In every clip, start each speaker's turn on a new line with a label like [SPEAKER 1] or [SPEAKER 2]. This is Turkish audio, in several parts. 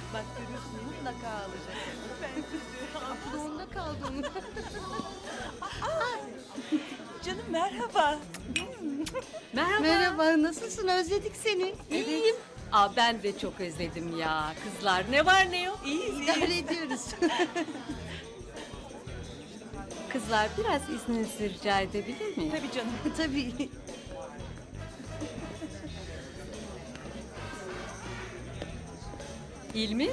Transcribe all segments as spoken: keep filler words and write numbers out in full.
[SPEAKER 1] Bak görüyorsun mutlaka alacak. Ben
[SPEAKER 2] Zorunda kaldım.
[SPEAKER 1] Canım merhaba.
[SPEAKER 3] Merhaba.
[SPEAKER 2] Merhaba, nasılsın? Özledik seni.
[SPEAKER 3] İyiyim. Aa, ben de çok özledim ya. Kızlar ne var ne yok.
[SPEAKER 1] İyiyiz,
[SPEAKER 2] İdare
[SPEAKER 1] iyiyiz.
[SPEAKER 2] ediyoruz.
[SPEAKER 3] Kızlar biraz izninizi rica edebilir miyim?
[SPEAKER 1] Tabii canım.
[SPEAKER 2] Tabii.
[SPEAKER 3] İlmi,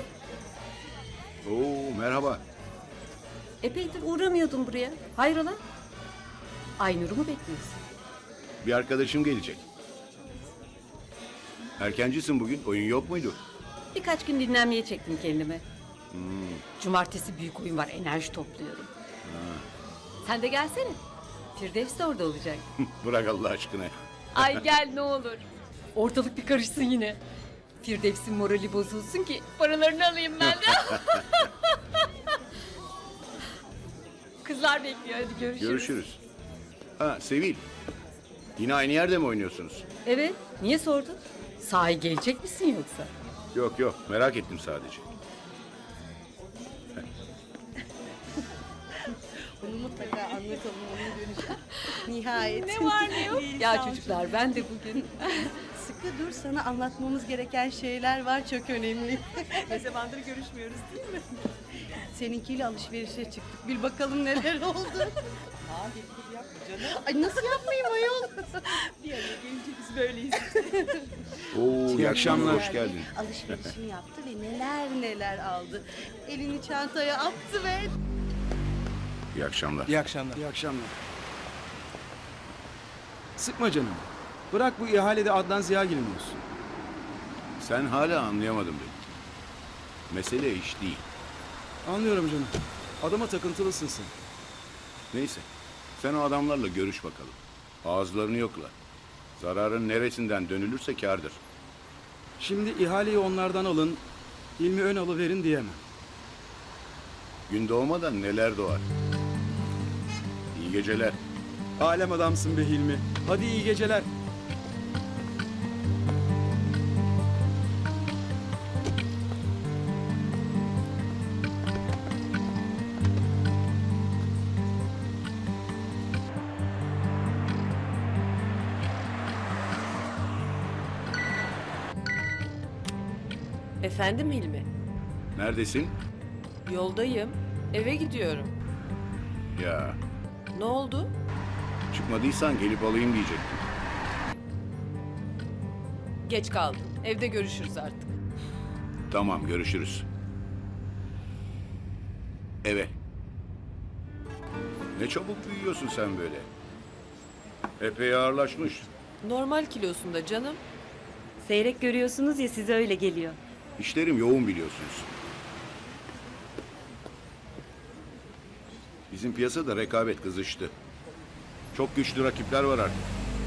[SPEAKER 4] Oo merhaba.
[SPEAKER 3] epeydir uğramıyordun buraya. Hayrola? Aynur'u mu bekliyorsun?
[SPEAKER 4] Bir arkadaşım gelecek. Erkencisin bugün. Oyun yok muydu?
[SPEAKER 3] Birkaç gün dinlenmeye çektim kendime. Cumartesi büyük oyun var, enerji topluyorum. Sen de gelsene. Firdevs de orada olacak.
[SPEAKER 4] Bırak Allah aşkına.
[SPEAKER 3] Ay gel ne olur. Ortalık bir karışsın yine. Firdevs'in morali bozulsun ki paralarını alayım ben de. Kızlar bekliyor, hadi görüşürüz.
[SPEAKER 4] Görüşürüz. Ha Sevil. Yine aynı yerde mi oynuyorsunuz?
[SPEAKER 3] Evet, niye sordun? Sahi gelecek misin yoksa?
[SPEAKER 4] Yok yok merak ettim sadece.
[SPEAKER 2] Bunu mutlaka anlatalım onun dönüşü. Nihayet.
[SPEAKER 1] Ne var ne yok?
[SPEAKER 3] Ya
[SPEAKER 1] Sağ ol
[SPEAKER 3] çocuklar ben de bugün...
[SPEAKER 2] Sıkı dur, sana anlatmamız gereken şeyler var, çok önemli.
[SPEAKER 1] Ne zamandır görüşmüyoruz değil mi?
[SPEAKER 2] Seninkiyle alışverişe çıktık. Bir bakalım neler oldu.
[SPEAKER 1] Aa dedikodu yapma canım.
[SPEAKER 2] Ay nasıl yapmayayım ayol?
[SPEAKER 1] Bir araya gelince biz böyleyiz.
[SPEAKER 4] Oo iyi akşamlar. Hoş geldin.
[SPEAKER 2] Alışverişini yaptı ve neler neler aldı. Elini çantaya attı ve...
[SPEAKER 4] İyi akşamlar.
[SPEAKER 5] İyi akşamlar. İyi akşamlar. Sıkma canım. Bırak bu ihalede Adnan Ziyagil'in olsun.
[SPEAKER 4] Sen hala anlayamadın beni. Mesele iş değil.
[SPEAKER 5] Anlıyorum canım. Adama takıntılısın sen.
[SPEAKER 4] Neyse. Sen o adamlarla görüş bakalım. Ağızlarını yokla. Zararın neresinden dönülürse kârdır.
[SPEAKER 5] Şimdi ihaleyi onlardan alın, ilmi ön alıverin diyemem.
[SPEAKER 4] Gün doğmadan neler doğar. İyi geceler.
[SPEAKER 5] Alem adamsın be Hilmi. Hadi iyi geceler.
[SPEAKER 6] Efendim Hilmi?
[SPEAKER 4] Neredesin?
[SPEAKER 6] Yoldayım. Eve gidiyorum.
[SPEAKER 4] Ya
[SPEAKER 6] Ne oldu?
[SPEAKER 4] çıkmadıysan gelip alayım diyecektim.
[SPEAKER 6] Geç kaldım. Evde görüşürüz artık.
[SPEAKER 4] Tamam görüşürüz. Eve. Ne çabuk büyüyorsun sen böyle. Epey ağırlaşmış.
[SPEAKER 6] Normal kilosunda canım.
[SPEAKER 7] Seyrek görüyorsunuz ya, size öyle geliyor.
[SPEAKER 4] İşlerim yoğun biliyorsunuz. Bizim piyasada rekabet kızıştı. Çok güçlü rakipler var artık.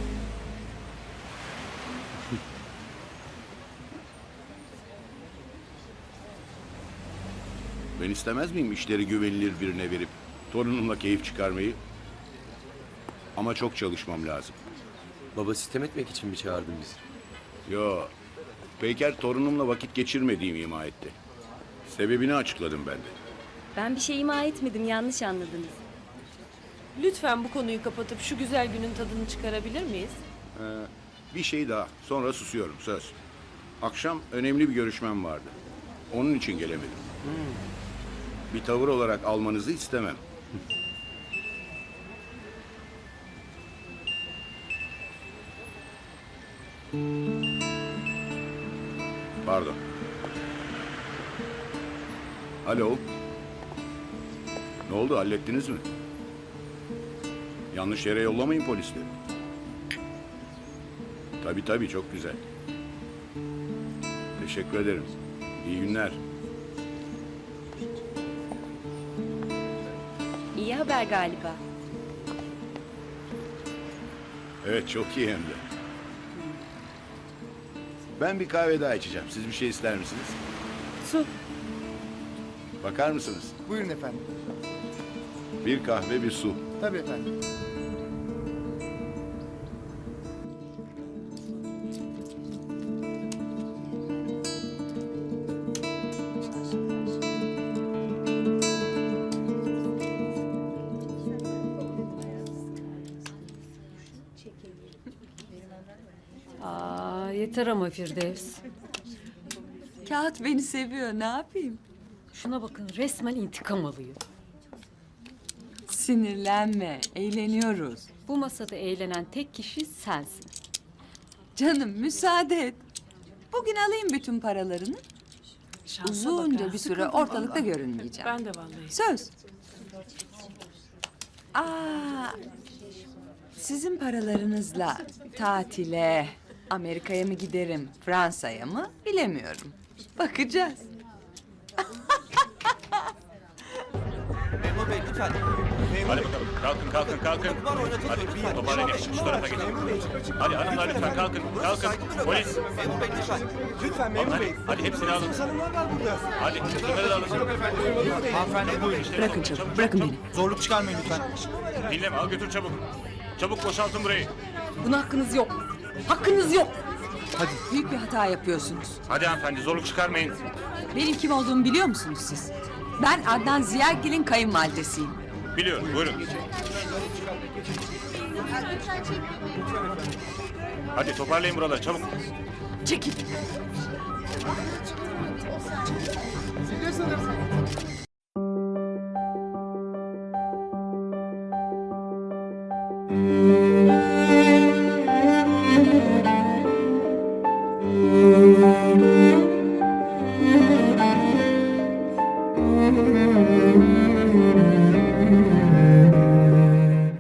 [SPEAKER 4] Ben istemez miyim işleri güvenilir birine verip torunumla keyif çıkarmayı? Ama çok çalışmam lazım.
[SPEAKER 8] Baba sitem etmek için mi çağırdın bizi?
[SPEAKER 4] Yo, Peyker torunumla vakit geçirmediğimi ima etti. Sebebini açıkladım ben de.
[SPEAKER 7] Ben bir şey ima etmedim, yanlış anladınız.
[SPEAKER 6] Lütfen bu konuyu kapatıp şu güzel günün tadını çıkarabilir miyiz?
[SPEAKER 4] Bir şey daha, sonra susuyorum, söz. Akşam önemli bir görüşmem vardı. Onun için gelemedim. Bir tavır olarak almanızı istemem. Pardon. Alo. Ne oldu, hallettiniz mi? Yanlış yere yollamayın polisleri. Tabii tabii, çok güzel. Teşekkür ederim. İyi günler.
[SPEAKER 7] İyi haber galiba.
[SPEAKER 4] Evet, çok iyi hem de. Ben bir kahve daha içeceğim. Siz bir şey ister misiniz?
[SPEAKER 7] Su.
[SPEAKER 4] Bakar mısınız?
[SPEAKER 9] Buyurun efendim.
[SPEAKER 4] Bir kahve, bir su.
[SPEAKER 9] Tabii efendim.
[SPEAKER 3] Yeter ama Firdevs.
[SPEAKER 9] Kağıt beni seviyor, ne yapayım?
[SPEAKER 3] Şuna bakın, resmen intikam alıyor.
[SPEAKER 9] Sinirlenme, eğleniyoruz.
[SPEAKER 3] Bu masada eğlenen tek kişi sensin.
[SPEAKER 9] Canım müsaade et. Bugün alayım bütün paralarını. Uzunca bir süre ortalıkta görünmeyeceğim.
[SPEAKER 6] Ben de vallahi.
[SPEAKER 9] Söz. Aa, sizin paralarınızla tatile, Amerika'ya mı giderim, Fransa'ya mı bilemiyorum. Bakacağız.
[SPEAKER 10] Memur Bey lütfen. Memur
[SPEAKER 11] Hadi
[SPEAKER 10] Bey.
[SPEAKER 11] bakalım. Kalkın kalkın kalkın.
[SPEAKER 10] Var oynatılır.
[SPEAKER 11] Hadi toparlayın hepsi şu tarafa geçin. Hadi hanımlar lütfen kalkın. Kalkın. Polis.
[SPEAKER 10] Memur Bey lütfen. Lütfen memur
[SPEAKER 11] Hadi,
[SPEAKER 10] bey.
[SPEAKER 11] hadi hepsini alın.
[SPEAKER 10] Sanımlar var burada.
[SPEAKER 11] Hadi bunları da alın.
[SPEAKER 10] Hanımefendi buyurun.
[SPEAKER 9] Bırakın canım, bırakın beni.
[SPEAKER 10] Zorluk çıkarmayın lütfen.
[SPEAKER 11] Dinleme al götür çabuk. Çabuk boşaltın burayı.
[SPEAKER 3] Buna hakkınız yok. Hakkınız yok.
[SPEAKER 9] Büyük bir hata yapıyorsunuz.
[SPEAKER 11] Hadi hanımefendi zorluk çıkarmayın.
[SPEAKER 9] Benim kim olduğumu biliyor musunuz siz? Ben Adnan Ziyagil'in kayınvalidesiyim.
[SPEAKER 11] Biliyorum buyurun. Hadi toparlayın buraları çabuk.
[SPEAKER 9] Çekil.